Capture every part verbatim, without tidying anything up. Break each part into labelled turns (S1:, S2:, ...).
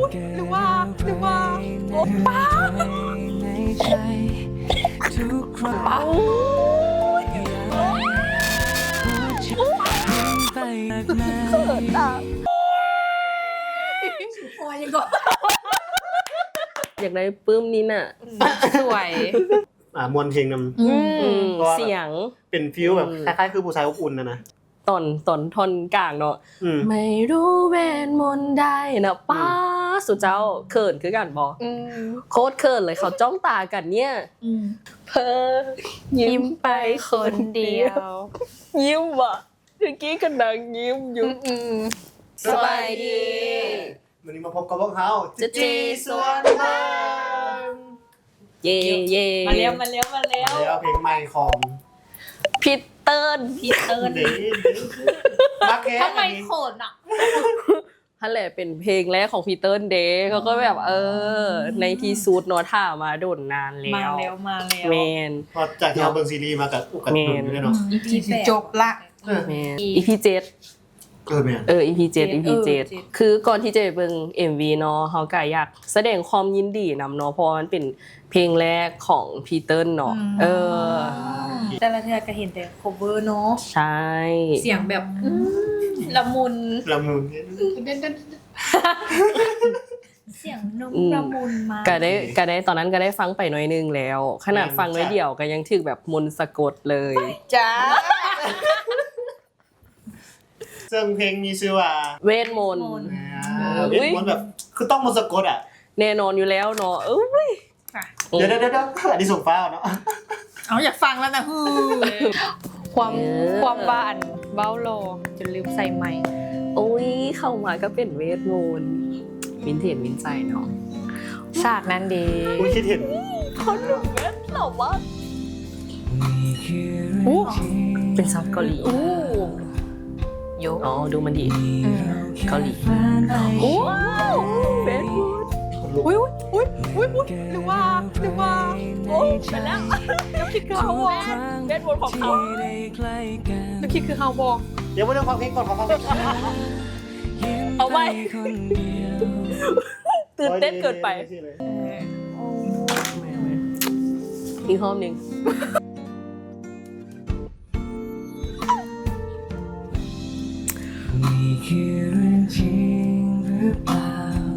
S1: หรือว่าหรือว่าโอ๊ป้าป้าเขินอ่ะโอ้ยยังก็
S2: อยากได้ปื้มนี้น่ะสวย
S3: อ่ามวลเพลงน
S2: ำเสียง
S3: เป็นฟิลแบบคล้ายๆคือผู้ชายอบอุ่นนะนะ
S2: ตอนตอนท่อนกลางเนาะไม่รู้เวทมนต์ได้นะป้าสุเจ้าเขินคือกันบอโคตรเขินเลยเขาจ้องตากันเนี่ยเพ้อยิ้มไปคนเดียวยิ้มว่ะเมื่อกี้กันดังยิ้มอยู่สบายดี
S3: วันนี้มาพบกับพวกเขา
S2: จะจีสวนบ้านเย่เย่
S1: มาเลี้ยวมาเลี้ยวมาเลี้ยว
S3: แล้วเพลงใหม่ของ
S2: พีเตอร์
S1: พีเตอร์ทำไมโขนอ่ะ
S2: นั่นแหละเป็นเพลงแรกของพีเตอร์เดย์เขาก็แบบเออในที่สุดเนาะถ่ามาโดนนานแล้ว
S1: มาแล้วมาแล้ว
S2: แมน
S3: พอจากที่เราเบิ่งซีรีส์มากับอุกัดหนุนด้วยเนาะ
S1: อี พี จบละ
S2: แมน อี พี เจ็ด
S3: เออแม่
S2: เออ อี พี เจ็ด อี พี เจ็ดคือก่อนที่จะไปเบิ่ง เอ็ม วี เนาะเฮาก็อยากแสดงความยินดีนำเนาะเพราะมันเป็นเพลงแรกของพีเตอร์เนาะเออ
S1: แต่ละเทื่อก็เห็นแต่ cover เนาะ
S2: ใช่
S1: เสียงแบบละมุน
S3: ละมุน
S1: เสียงนุ่มละมุนมาก
S2: ก็ได้ก็ได้ตอนนั้นก็ได้ฟังไปหน่อยนึงแล้วขนาดฟังน้อยเดียวก็ยังถึกแบบมนต์สะกดเลย
S1: จ้า
S3: ซึ่งเพลงมีชื่อว่า
S2: เวทมนต์
S3: เวทมนต์แบบคือต้องมนต์สะกดอ่ะ
S2: แน่นอนอยู่แล้วเนาะเอ้ย
S3: เดี๋ยวเดี๋ยวเดี๋ยวอันนี้ส่งฟ้าเนาะ
S1: เอาอยากฟังแล้วนะฮือความความบ้านเบ้าโลจนลืมใส่ไม้
S2: โอ้ยเข้ามาก็เป็นเวทมนต์วินเทจวินใจเนาะ
S1: ฉากนั้นดี
S3: คุณคิดเห็น
S2: เขาดูเวทหรอวะโอ้เป็นซับเกาหลีโยอ๋อดูมันดีเกาหลีโอ้เวทมนต์อุ้ยอุ้ยอุ้ยอุ้ยหรือว่าหรือว่าโอ้ไปแล้วน้ำคิดคือเขาบอกเวทมนต์ของเขาน้ำคิดคือเขาบอก
S3: เดี๋ยวมาเรื่องความเพลงก่อนความเพลง
S2: เอาไปตื่นเต้นเกินไปอีกห้องหนึ่งนี่คือเรื่องจริงหรือเปล่า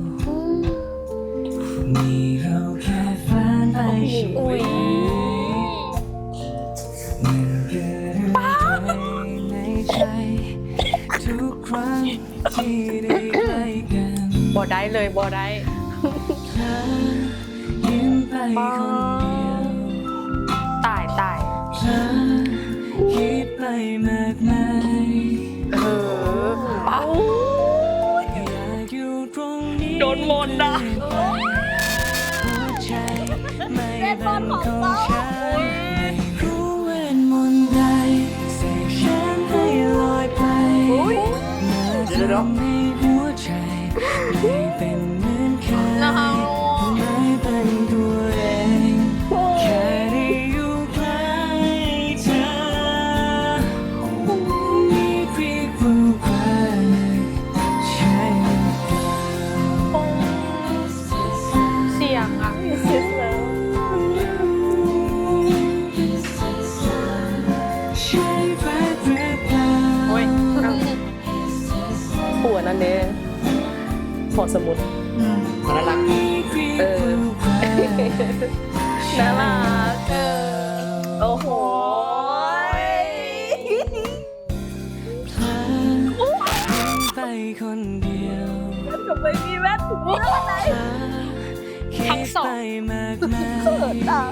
S2: นี่เราแค่ฝันไปใช่ไหมเมื่อเกิดอะไรในใจทุกครั้งที่ได้ใกล้กันบ่ได้เลยบ่ได้ยิ้มไปคนเดียว
S1: ตายตาย
S2: คิดไปมากมายเออป้าโดนมนต์นะเวทมนต์ของเขารู้เวทมนต์ใดเสกฉันให้ลอยไปเมื่อทำให้หัวใจไม่เป็นเหมือนเคยไม่เป็นตัวเองแค่ได้อยู่ใกล้เธอมีเพียงผู้ใครใช่หรือเปล่า
S1: เสียงอ่ะ
S2: หัวนั่นเองขอสมุด
S3: น่ารัก
S2: เออน่ารักเออโอ้โหไปคนเดียวแว่นกับไม่มีแว่นมีอะไร
S1: ทั้งสอง
S2: เขินอ่ะ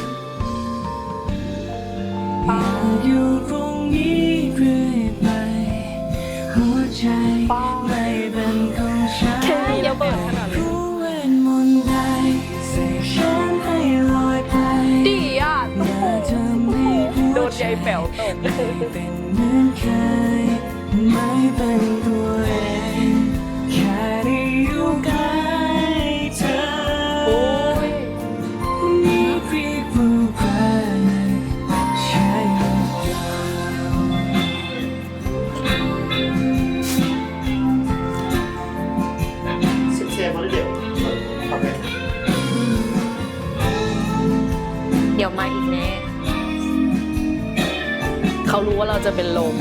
S2: อยู่ตรงนี้เรื่อยไปหัวใจไม่เป็นของฉันแค่นี้ยังเบิดขนาดนี้รู้เวทมนต์ใดเสกฉันให้ลอยไป
S1: ดีอ่ะ
S2: โดนใจแป๋วตกเป็นเหมือนเคยไม่เป็นตัวเองแค่ได้อยู่ใกล้เธอโอ้ยมีเพียงผู้ใครใช่หรือเปล่า
S3: เสียมาเรื่อย
S1: มาอีกแน่
S4: เขารู้ว่าเราจะเป็นลม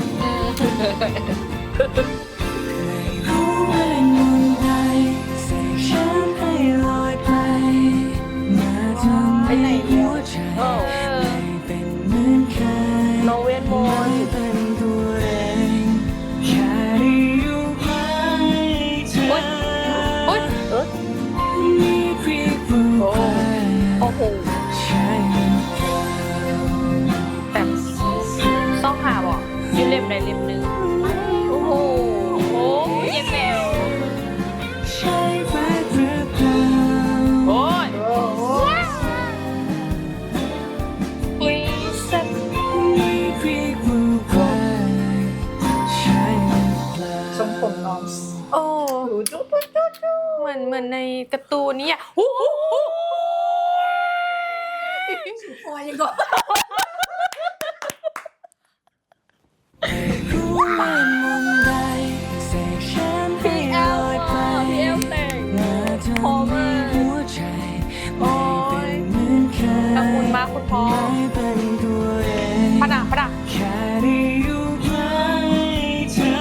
S2: รู้เวทมนต์ใดเสกฉันให้ลอยไปมาทำให้หัวใจไม่เป็นเหมือนเคย
S4: น้องเวทมน
S2: ไม่
S4: ต์
S2: เป็นตัวเองแค่ได้อยู่ใกล้เธอ
S1: อุ๊ย
S4: เอ๊ะ
S2: มีเพียงผู้ไป
S4: โอ้โห
S2: ใช่หรือเปล่า
S1: แบบต้องหาบอกยืนเล่มใดเล่มหนึ่งโอ้โหโอ้ยเย็นแล้ว
S2: ใช่รักหรือเปล่า
S1: โอ้ยอุ้ยแซ่บ
S2: มีเพียงผู้ไปใช่หรือเปล่า
S5: ทรงผมน้อง
S1: โอ้
S5: ดูจุ๊บจุ๊บจุ๊บจุ๊บ
S1: เหมือนเหมือนในการ์ตูนนี่อ่ะฮู้ฮู้ฮู้
S5: พอยังก่อน
S2: รู้เวทมนต์ใดเสกฉันให้ลอยไป
S4: พี่เอลแต่ง
S2: มาทำให้หัวใจไม่เป็นเหมือนเคย
S1: ขอบคุณมากคุณพ่อ
S2: ไม่เป็นตัวเอง
S1: ปะดังปะดัง
S2: แค่ได้อยู่ใกล้เธอ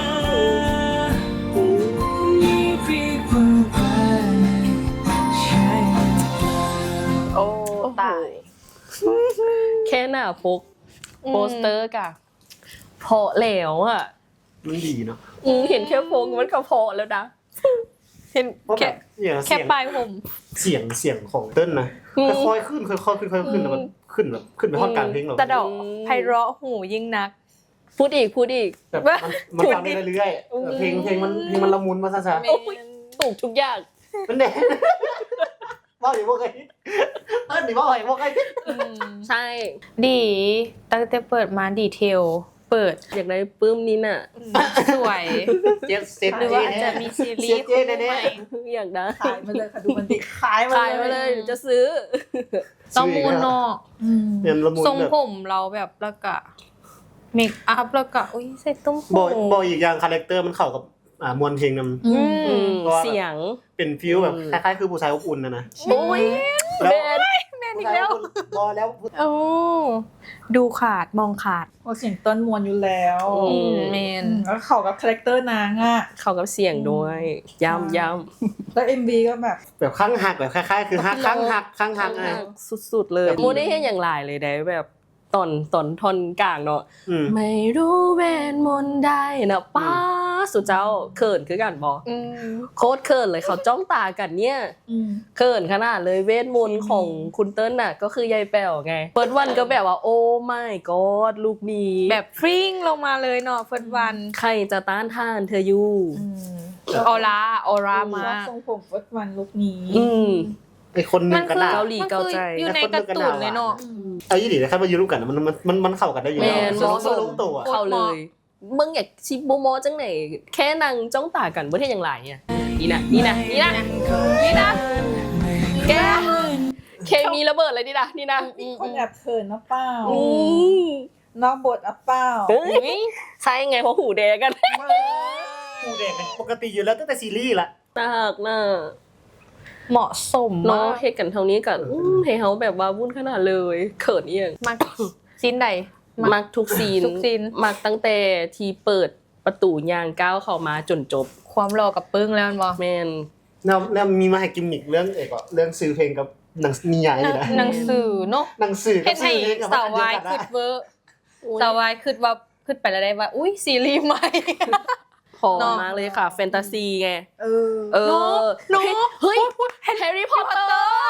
S2: มีเพียงผู้ไปใช่หรือเปล่า
S4: โอ้ตาย แค่หน้าพกโปสเตอร์กะเพาะแล้วอ่ะ
S3: มันดีเนาะ
S4: อืมเห็นแค่พกมันก็เพาะแล้วนะ
S1: เห็น
S3: เพราะแบ
S1: แค่
S3: บเนี่ย
S1: แค่
S3: เสียง
S1: ปลายผม
S3: เสียงเสียงของเต้นนะ
S4: อืม
S3: ค่อยๆขึ้นค่อยๆขึ้นค่อยๆขึ้นแล้วมันขึ้นแบบขึ้นไปท่อนกลางเพลงเรา
S1: แต่ดอกไพเราะหูยิ่งนัก
S4: พูดอีกพูดอีก
S3: แบบมันมันฟังได้เรื่อยๆแบบเพลงเพลงมันเพลงมันละมุนมาซะ
S1: แม
S4: โอ้ย ถูกทุกอย่าง
S3: ๆมันแดงว่าดิว่าไงเต้นดิว่าไงว่าไง
S1: อืม
S4: ใช่
S1: ดีตั้งแต่เปิดมาดีเทล เปิด
S4: อยากได้ปื้มนี้น่ะ
S1: สวย
S3: เจ็ดเซ็ต
S1: หรือว่าอาจจะมีซีรีส์
S3: เจ๊
S1: คู่
S3: แน่
S1: ใหม่
S4: อยากได้
S5: ขายมาเลยค่ะดูมันดิขายมา
S4: ขายมาเลยเดี๋ยวจะซื้อ
S3: ๆ
S1: ต้องมูนเนอก
S5: อืม
S3: เนี่ยละมุน
S1: ทรง
S3: แบบ
S1: ผมเราแบบแล้วก็เมคอัพแล้วก็อุ้ยใส่ตุ้มหู
S3: บอกบอกอีกอย่างคาแรคเตอร์มันเข้ากับอ่ามวลเพลงนำ
S5: อื
S1: อื
S5: ม
S4: อื
S1: ม
S4: มเสียง
S3: เป็นฟิลแบบ
S4: อืม
S3: คล้ายๆคือผู้ชายอบอุ่นนะนะ
S4: โอ้ย
S3: แล้ว
S4: แบน
S1: แม่น
S3: ผู้
S1: อีก
S3: ชาย
S1: แล้
S3: อ
S1: ว
S3: บอุ่นรอแล้ว
S1: โอ้ดูขาดมองขาด
S5: โอ้เสียงต้นมวลอยู่แล้ว
S4: อืม
S1: แม
S5: อื
S1: น
S5: มแล้วเข้ากับคาแรคเตอร์นางอ่ะ
S4: เข้ากับเสียงด้วย ย้ำย้
S5: แล้ว เอ็ม วี ก็แบบ
S3: แบบข้างหักแบบคล้ายๆ คือหักข้างหักข้างหักไง
S4: ำสุดๆเลยโมได้เห็นอย่างหลายเลยได้แบบตอนตอนทอนกลางเนาะ
S3: อืม
S4: ไม่รู้เวทมนต์ได้นะป้าสุดเจ้าเขินคือกันบอ
S1: อืม
S4: โคตรเขินเลยเขาจ้องตากันเนี่ย
S5: อืม
S4: เขินขนาดเลยเวทมนต์ของคุณเติ้ลน่ะก็คือยายแป๋วไงเปิดวันก็แบบว่าโอ้ไม่กอดลูกมี
S1: แบบฟริ้งลงมาเลยเนาะเฟิร์สวัน
S4: ใครจะต้านทานเธออยู่
S5: อืม
S1: ออร่าออร่า
S5: ช
S1: มา
S5: อบทรงผมวัดวันลุกนี้
S4: อืม
S3: ไอคนหนึ
S1: มั
S3: ง
S1: น
S3: ก็
S1: คือ
S3: น่า
S4: เกาหลี
S1: มัน
S4: เกา
S1: คือ
S4: ใจ
S1: อยู่ในการ์ตูนเลยเนาะ
S3: เอายี่ดีนะครับมายืนร่วมกันนะมันมันมันมันเข้ากันได้อยู่
S4: แม
S3: แล้ว
S4: น
S3: ส
S4: มอ
S3: นุก
S4: ส
S3: สนุกตัว
S4: เข้าเลยมึงอยากชิบโมโมจังไหนแค่นางจ้องตากันเมื่อเทียอย่างไรเนี่ยนี่นะนี่นะนี่นะนี่นะแกเคมีระเบิดเลยนี่นะนี่นะ
S5: มีคนแอบเขินนะเปล่า
S4: อืม
S5: นอกบทอ่ะเปล่า
S4: เฮ้ยใช่ไงเพราะหูแดงกัน
S3: ผู้เด็กเป็นปกติอยู่แล้วตั้งแต่ซีรีส์ละ
S4: ตากน่ะ
S1: เหมาะสม
S4: เนาะ
S1: มาก
S4: เหตุกันเท่านี้กับให้เขาแบบว่าวุ่นขนาดเลยเขินเอียง
S1: มักซีนใด
S4: มักทุกซีน
S1: ทุกซีน
S4: มักตั้งแต่ที่เปิดประตูยางก้าวเข้ามาจนจบ
S1: ความรอกับปึ้งแล้วมันบอก
S4: แมน
S3: แล้วแล้วมีมาให้กิมมิกเรื่องเอกอะเรื่องซื้อเพลงกับหนังนิยายนี่นะ
S1: หนังสือเนาะ
S3: หนังสือกั
S1: เห็
S3: บ
S1: น
S3: ซื้
S1: ให้
S3: อเพลงกับ
S1: สาว
S3: อันเดียว
S1: วาย
S3: กัน
S1: คื
S3: นะ
S1: ดเวอร์สาววายคืดว่าคืดไปแล้วได้ว่าอุ้ยซีรีส์ใหม่
S4: พอ
S1: เนาะ
S4: มากเลยค่ะ แฟนตาซีไง
S5: เออ
S4: เออ
S1: เนาะ
S4: เฮ้ยแฮร์รี่พอตเตอร์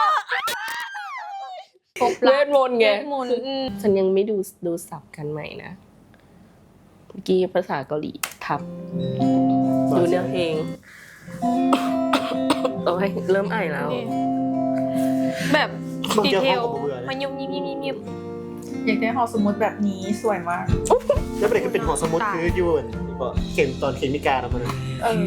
S1: ครบ
S4: เว
S1: ละ
S4: ทมนต์ไง
S1: เวทมนต์อืม
S4: ฉันยังไม่ดูดูสับกันใหม่นะเมื่อกี้ภาษาเกาหลีทับ ดูเนื้อเพลง โอ้ยเริ่มไอแล้ว
S1: แบบ
S3: บาง
S1: ดี
S3: เจอ
S1: เท
S3: เขา
S1: ล
S3: กับเบื่อเลย
S1: มันยุบยิบยิบยิบยิบ
S5: อยากได้หอสมุดแบบนี้สวยมาก
S3: แล้วประเด็นคือเป็นหอสมุดคือยูนก็เขียนตอนเขียนมิกาทำมัน
S5: เออ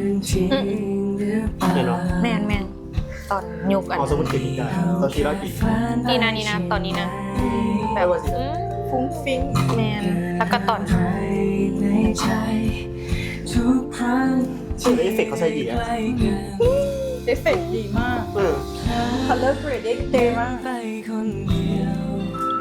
S3: เนี่ยเนาะ
S1: แมนแมนตอนยุกอัน
S3: หอสมุดเขียนมิกาตอนที่เราปี
S1: นี่นะนี่นะตอนนี้นะ
S3: แบบว่าสิ
S1: อืม
S5: ฟุ้งฟิ้ง
S1: แมนแล้วก็ตอน
S2: ในใจทุกครั้ง
S3: ชื่อเอฟเฟกต์เขาใช้ดีอะ
S5: เอฟเฟกต์ดีมาก
S3: เออ
S5: color grading เท่มาก
S2: ไปคนเดียว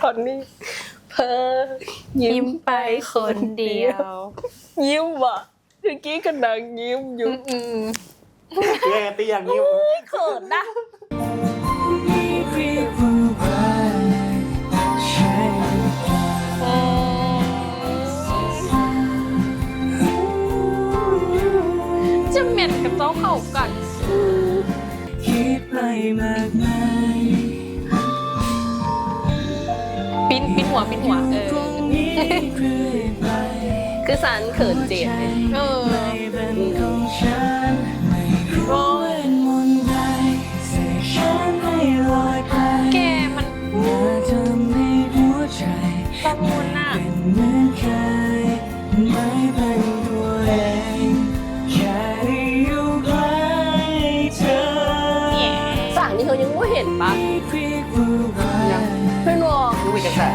S4: อนนี้เพ้อ
S1: ยิ้มไปคนเดียว
S4: ยิ้มว่ะเมื่อกี้ก็ดังยิ้มอยู่
S1: อืม
S3: แย่ตีอย่างนี้
S4: เขินนะ
S2: เรียกว่ารักใช่หรือเปล่า
S1: จะเหม็นกับเจ้าเข้ากัน
S2: คิดไปมากมาย
S1: ปิ้นปิ้นหัวปิ้นหัวเออ
S2: ตรงนี้เรื่อยไป
S4: คือสันเขินเจ็บเลย
S1: เออ
S2: ไม่เป็นของฉันไม่รู้เวทมนต์ใดเสกฉันให้ลอยไป
S1: แกมัน
S2: มาทำให้หัวใจ
S1: ประมูลน่ะ
S2: เป็นเหมือนเคยไม่เป็นตัวเองแค่ได้อยู่ใกล้เธอ
S4: สั่งนี่เขายังไม่เห็นปะ
S2: เรียกว่ารัก
S4: เพื่อนวอ
S3: รู้ไปกันแต่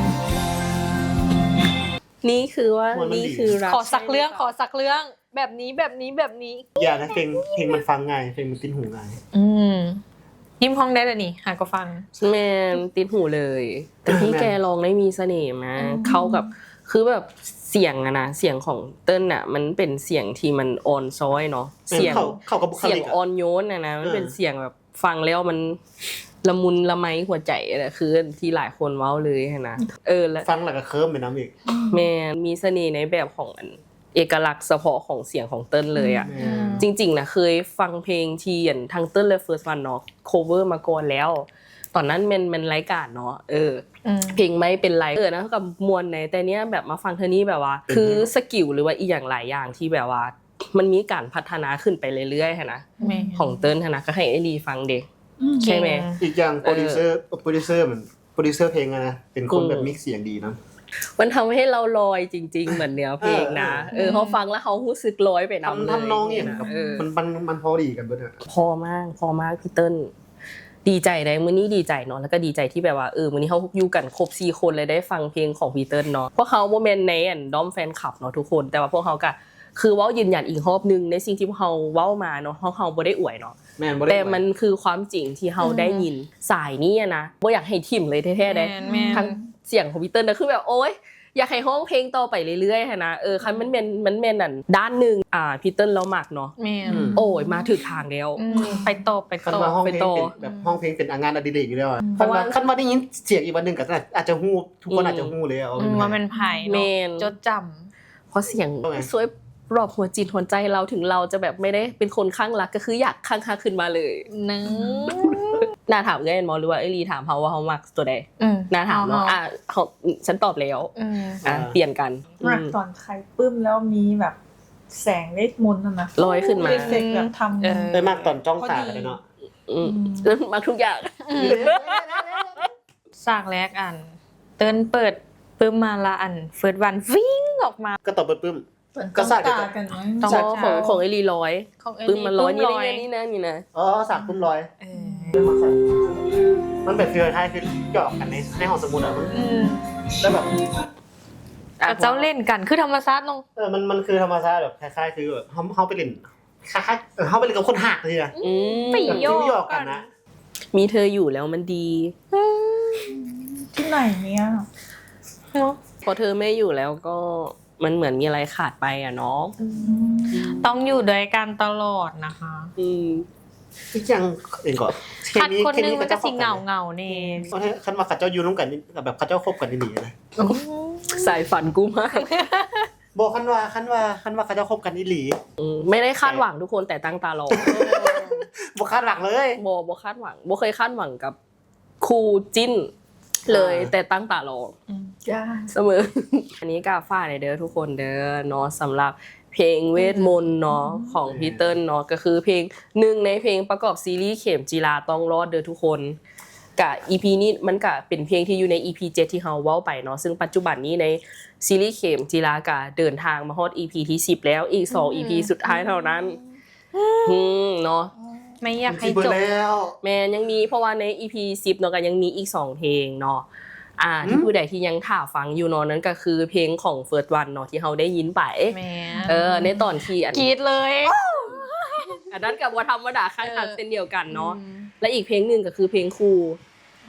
S4: นี่คือว่า
S3: มันมันดี
S4: นี่คือรัก
S1: ขอสักเรื่องขอสักเรื่องแบบนี้แบบนี้แบบนี้
S3: อย่านะเพลงเพลงมันฟังง่ายเพลงมันติ้นหูง่าย
S1: อืมยิ้มห้องได้เลยนี่หาก็ฟัง
S4: แมนติดหูเลย แต่พี่แกร้องได้มีเสน่ห์มากเข้ากับคือแบบเสียงอะนะเสียงของเติ้ลอะมันเป็นเสียงที่มันอ่อนซ้อยเนาะเสียง
S3: เข้าเข้ากับบุค
S4: เสียง
S3: ลิก
S4: อ่อ
S3: อะ
S4: นโยนอะนะมัน
S3: เออ
S4: เป็นเสียงแบบฟังแล้วมันละมุนละไมหัวใจอะคือที่หลายคนเว้าเลยนะเออแล้ว
S3: ฟังแล้วก็เคิร์มไปน้ำอีก
S4: แม่มีเสน่ห์ในแบบของอันเอกลักษณ์เฉพาะของเสียงของเติ้ลเลยอ่ะ
S3: อืม
S4: จริงๆนะเคยฟังเพลงที่อย่างทางเติ้ลและเฟิร์สวันเนาะ cover มาก่อนแล้ว ตอนนั้นมันมันรายการเนาะเออ
S1: อืม
S4: เพลงไม่เป็นไรเออนะกับมวลในแต่เนี้ยแบบมาฟังเธอนี้แบบว่า คือสกิลหรือว่าอีกอย่างหลายอย่างที่แบบว่า มันมีการพัฒนาขึ้นไปเรื่อยๆค่ะนะ
S1: แม่
S4: ของเติ้ลค่ะนะก็ให้ไอรีฟังเด็ก ใช่ไหม
S3: อีกอย่างโปรดิวเซอร์โปรดิวเซอร์มันโปรดิวเซอร์เพลงอะนะเป็นคนแบบมิกซ์เสียงดีนะ
S4: มันทำให้เราลอยจริง ๆ เหมือนเนื้อเพลงนะ
S3: เออ
S4: เออเขาฟังแล้วเขารู้สึกลอยไปนำเลย
S3: ทำทำนองอย่างกับ
S4: เออ
S3: มันมันมันพอดีกันเบิดอะ
S4: พอมากพอมากพี่เติ้ลดีใจได้มื้อนี้ดีใจเนาะแล้วก็ดีใจที่แบบว่าเออมื้อนี้เขาอยู่กันครบสี่คนเลยได้ฟังเพลงของพี่เติ้ลเนาะพวกเขาโมเมนต์ในอันด้อมแฟนคลับเนาะทุกคนแต่ว่าพวกเขาก็คือเว้ายืนยันอีกรอบนึงในสิ่งที่พวกเขาเว้ามาเนาะเพราะเขาบ่ได้อวยเนาะ
S3: แม่นบ่ได้
S4: แต่มันคือความจริงที่เราได้ยินสายนี้อะนะบ่อยากให้ทิ่มเลยแท้ๆได้
S1: แม่นแม่น
S4: ทั้งเสียงของพี่เติ้ลนะคือแบบโอ๊ยอยากให้ห้องเพลงต่อไปเรื่อยๆค่ะนะเออคันมันเป็นมันเป็นอันด้านหนึงอ่าพี่เติ้ลเรามักเนาะ
S1: แม่
S4: โอ้ยมาถึงทางแล้ว
S1: อืมไปต่อไป
S3: คัน
S1: ต่อ
S3: ว่าห้องเพลง
S4: ไปต่อ
S3: เป็นแบบห้องเพลงเป็นงานอดิเรกอยู่แล้วอะ
S4: เพ
S3: คัน
S4: ราะว่า
S3: ว่าคันว่าได้ยินเสียงอีกวันหนึงก็อาจจะฮู้ทุกคนอาจจะฮู้เลยอะ
S1: อืมว่ามันไผ่
S4: แม
S1: เนาะ
S4: น
S1: จดจ
S4: เพราะเสียง
S3: ว่าไง
S4: สวยรอบหัวจิตหัวใจเราถึงเราจะแบบไม่ได้เป็นคนข้างรักก็คืออยากข้างๆขึ้นมาเลย
S1: ำนึง
S4: น่าถามเง่ายมอหรือว่าไอรีถามเขาว่าเขามักตัวใด
S1: อืม
S4: น่าถามเนาะ
S1: เอาๆ
S4: อ่ะเขาฉันตอบแล้ว
S1: อืม
S4: อ่ะเปลี่ยนกันอื
S5: รัก
S4: ม
S5: ตอนใครปลื้มแล้วมีแบบแสงเวทมนต์น่ะนะ
S4: ลอยขึ้นมา
S5: เอฟเฟกต์แบบทำ
S1: เออ
S3: ได้มากตอนจ้องตากันเลยเนาะ
S4: อืมแล้วมักทุกอย่าง
S1: สากแรกอัน เติ้นเปิดปึ้มมาละอันเฟิร์สวันวิ่งออกมา
S3: ก็ตอบปึ้ม ก็
S5: ก็
S3: สา
S5: สาก ก
S3: เดียว
S5: ตา
S3: กั
S5: กัน นไหม
S1: ต้อง
S4: ของของของไอรีร้อย
S1: ของเอ
S4: ปึ้มมันร้อยนี่
S1: ปึ้
S4: นะนี่นะนี่นะ
S3: อ๋อสากปึ้มลอย
S1: เออ
S3: มันเป็นฟีลไทยคือหยอกกันในในห้องสมุดอะมัน
S1: อืม
S3: แล้วแบบ
S1: กับเจ้าเล่นกันคือธรรมชาติเนอะ
S3: เออมันมันคือธรรมชาติแบบคล้ายๆคือแบบเขาเขาไปเล่นคล้ายๆเออเขาไปเล่นกับคนหักเลยอะ
S4: อืม
S1: ไป
S3: แบบ
S1: โย
S3: ฟิล
S1: ก
S3: หยอก
S1: กั
S3: กัน นนะ
S4: มีเธออยู่แล้วมันดี
S5: ที่ไหนเนี่ย
S1: เนาะ
S4: พอเธอไม่อยู่แล้วก็มันเหมือนมีอะไรขาดไปอ่ะเนาะ
S1: ต้องอยู่ด้วยกันตลอดนะคะ
S4: อืม
S3: ที่ยังเองก่อน
S1: คัดคนหนึงมันก็สิเหงาเงาๆนี่
S3: เพราะถ้าคันว่าข้าเจ้าอยู่ร่วมกันนี่แบบข้าเจ้าคบกันนี่นะ
S4: สายฝันกูมาก
S3: บอกคันว่าคันว่าคันว่าข้าเจ้าคบกันนี่หลี
S4: อืมไม่ได้คาดหวังทุกคนแต่ตั้งตารอ
S3: บอกคาดหวังเลย
S4: โบโบคาดหวังโบเคยคาดหวังกับคู่จิ้นเลย
S3: อ่า
S4: แต่ตั้งตารอ
S5: จ้า
S4: เสมอ อันนี้กาฟ้าในเด้อทุกคนเด้อเนาะสำหรับเพลงเวทมนต์เนาะของพี่เติ้ลเนาะก็คือเพลงหนึ่งในเพลงประกอบซีรีส์เข็มจีราต้องรอดเด้อทุกคนกะ อี พี นี้มันกะเป็นเพลงที่อยู่ใน อี พี เจ็ดที่เฮาเว้าไปเนาะซึ่งปัจจุบันนี้ในซีรีส์เข็มจีรากะเดินทางมาฮอด อี พี ที่สิบแล้วอีกสอง อี พี สุดท้ายเท่านั้นอืมเนาะ
S1: ไม่อยากให้
S3: ที่เบิร์
S1: จบ
S3: แล้ว
S4: แมนยังมีเพราะว่าใน อี พี สิบเนาะก็ยังมีอีกสองเพลงเนาะอ่าที่
S3: อืม
S4: ผู้ใดที่ยังถ่าฟังอยู่เนาะนั้นก็คือเพลงของ First One เนาะที่เฮาได้ยินไป
S1: แม่
S4: เออในตอนที่อัน
S1: กรีดเลย
S4: อันนั้นกับว่าธรรมดาขั้นขันเส้นเดียวกันเนาะ
S1: อืม
S4: และอีกเพลงหนึ่งก็คือเพลงครู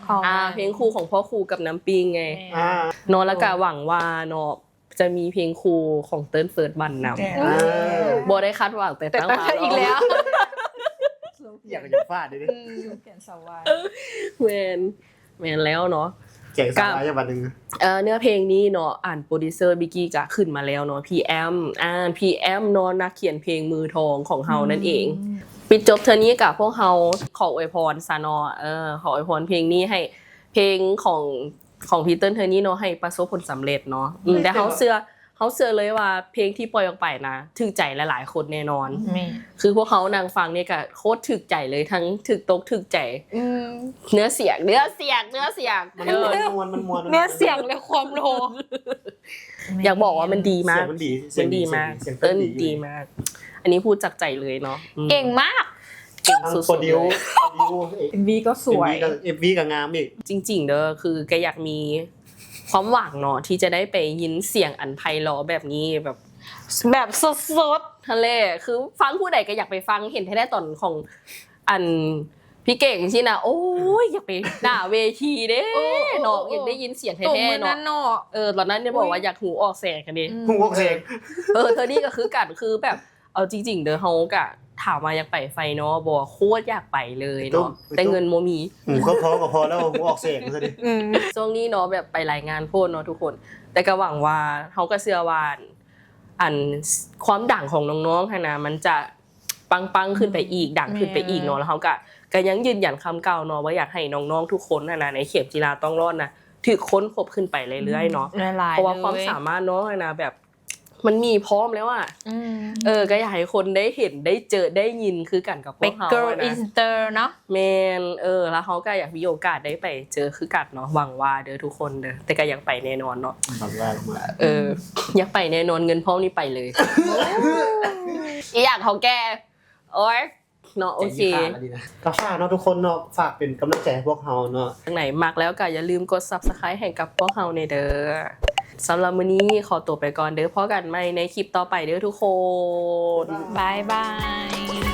S1: ของ
S4: อ่าเพลงคู่ของพ่อครูกับน้ำปิงไง
S3: อ่า
S4: เนาะแล้วก็หวังว่าเนาะจะมีเพลงครูของเติ้ลเฟิร์สบันน
S5: แต่
S3: อ่า
S4: ำบ่ได้คาดหวังแต่
S1: แต่
S4: ตั้ง
S1: ตั้ง
S4: มา
S1: อีกแล้ว
S3: อยากจะฟาดเลยดิ
S5: เปลี่ยนสวาย
S4: แมนแมนแล้วเนาะ
S3: แจกสาระจังหวัดหนึ่ง
S4: เอ่อเนื้อเพลงนี้เนาะอ่านโปรดิวเซอร์บิกกี้ก็ขึ้นมาแล้วเนาะ พี เอ็ม อ่าน พี เอ็ม เนาะนักเขียนเพลงมือทองของเฮานั่นเอง ปิดจบเทอนี้กับพวกเฮาขออวยพรซะเนาะเออขออวยพรเพลงนี้ให้เพลงของของพีเติ้ลเทอนี้เนาะให้ประสบผลสำเร็จเนาะอืมแต่เฮาเชื่อเฮาเชื่อเลยว่าเพลงที่ปล่อยออกไปนะถึกใจหลายๆคนแน่นอน
S1: แม่
S4: คือพวกเขานางฟังเนี่ยก็โคตรถึกใจเลยทั้งถึกตกถึกใจ
S1: อืม
S4: เนื้อเสียงเนื้อเสียงเนื้อเสียง
S3: มัน
S4: เออ
S3: มวนมันมวน
S1: เนื้อเสียงและความโล
S4: อยากบอกว่ามันดีมาก
S3: เสียงมันดี
S4: มันดีมาก
S3: เสียง
S4: เติ้ล
S3: ดี
S4: ดีมาก อันนี้พูดจากใจเลยเนาะอืม
S1: เก่งมาก
S4: เก่ง
S3: ทั้ง
S4: สุด
S3: โปร
S4: ๆ
S3: ดิ
S4: เล
S3: วย โปรดิว
S5: เอ็มวีก็สวย
S3: เอฟวีกับงามอีก
S4: จริงๆเด้อคือแกอยากมีความหวังเนาะที่จะได้ไปยินเสียงอันไพเราะแบบนี้แบบ
S1: แบบสด
S4: ทะเลคือฟังผู้ใดก็อยากไปฟังเห็นแท้ๆตอนของอันพี่เก่งที่นะโอ้ยอยากไปหน้าเวทีเด้
S1: โอ้โอ้
S4: เนาะอยากได้ยินเสียง
S1: ๆตรง
S4: แท้
S1: มือ
S4: ๆ
S1: นั้
S4: เนาะ
S1: นเนาะ
S4: เออตอนนั้นเนี่ยบอกว่าอยากหูออกแสงกันดิ
S1: อืม
S3: พุ่งวอกเสียง
S4: เออเธอนี่ก็คือกันคือแบบเอาจริง ๆ เด้อเฮากะถามมาอยากไปไฟเนาะบอกโคตรอยากไปเลยเนาะแต่เงินโมมี
S3: หูก็พอก็พอแล้วหูออกเสียงซะดิ
S1: อืม
S4: ช่วงนี้เนาะแบบไปรายงานโพดเนาะทุกคน แต่ก็หวังว่าเขาก็เชื่อว่าอันความดังของน้องๆค่ะนะมันจะปังๆขึ้นไปอีกดังขึ้นไปอีกเนาะแล้วเขาก็ก็ยังยืนยันคำเก่าเนาะว่าอยากให้น้องๆทุกคนนะนะในเข็มจีราต้องรอดนะถือค้นพบขึ้นไปเรื่อยๆเนาะ
S1: หลายๆ
S4: เพราะว่า
S1: ลย
S4: ความสามารถน้องอะนะแบบมันมีพร้อมแล้วอ่ะ
S1: อืม
S4: เออก็อยากให้คนได้เห็นได้เจอได้ยินคือกันกับพ
S1: เป็
S4: วน กเขา
S1: girl
S4: อะนะ
S1: inter เนาะ
S4: แมนเออแล้วเขาก็อยากมีโอกาสได้ไปเจอคือกันเนาะหวังว่าเด้อทุกคนเด้อแต่ก็ยังไปแน่นอนเนาะ
S3: บังว่าลงมา
S4: เอออยากไปแน่นอนเงินพร้อมนี่ไปเลย อีอยากเขาแกโอ๊ยเนาะโอเค
S3: ก็ฝากเนาะทุกคนเนาะฝากเป็นกำลังใจให้พวกเราเนาะ
S4: ทางไหนมักแล้วก็อย่าลืมกด ซับสไครบ์ ให้กับพวกเราในเด้อสำหรับมื้อนี้ขอตัวไปก่อนเด้อพอกันใหม่ในคลิปต่อไปเด้อทุกคน
S1: บายบาย